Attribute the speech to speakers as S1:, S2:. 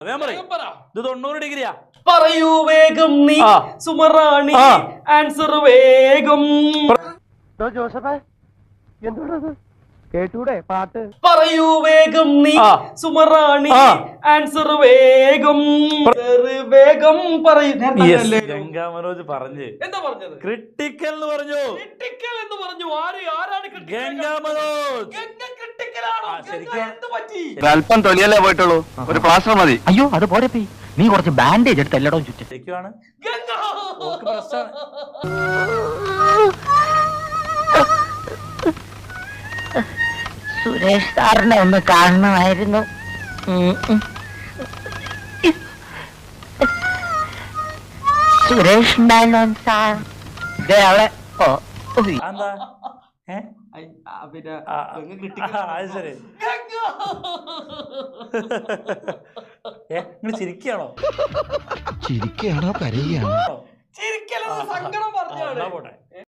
S1: ഇത് 90 ഡിഗ്രിയാ.
S2: പറയൂ വേഗം നീ സുമറാണി ആൻസർ വേഗം.
S3: ജോസഫേ എന്തുകൊണ്ടത് കേട്ടൂടെ പാട്ട്?
S2: പറയൂ വേഗം നീ സുമറാണി ആൻസർ വേഗം. വേഗം പറയൂ.
S1: ഗംഗാ മനോജ് പറഞ്ഞു.
S2: എന്താ പറഞ്ഞത്?
S1: ക്രിട്ടിക്കൽ എന്ന് പറഞ്ഞു.
S2: ക്രിട്ടിക്കൽ എന്ന് പറഞ്ഞു. ആരാണ്
S1: ഗംഗാ മനോജ്?
S4: അല്പം തൊലിയല്ലേ പോയിട്ടുള്ളൂ, ഒരു പ്ലാസ്റ്റർ മതി.
S3: അയ്യോ അത് പോരെ, നീ കുറച്ച് ബാൻഡേജ് എടുത്ത് എല്ലായിടവും ചുറ്റും.
S1: ശരിക്കുമാണ്.
S5: സുരേഷ് സാറിനെ ഒന്ന് കാണണമായിരുന്നു. സുരേഷ് മേനോൻ സാർ അവിടെ.
S1: എന്താ
S2: പിന്നെ
S1: ശരി. നിങ്ങൾ ചിരിക്കുകയാണോ?
S3: ചിരിക്കുകയാണോ കരയുകയാണോ?
S2: ചിരിക്കലെന്ന് സങ്കടം പറഞ്ഞാണ്.
S1: പോട്ടെ.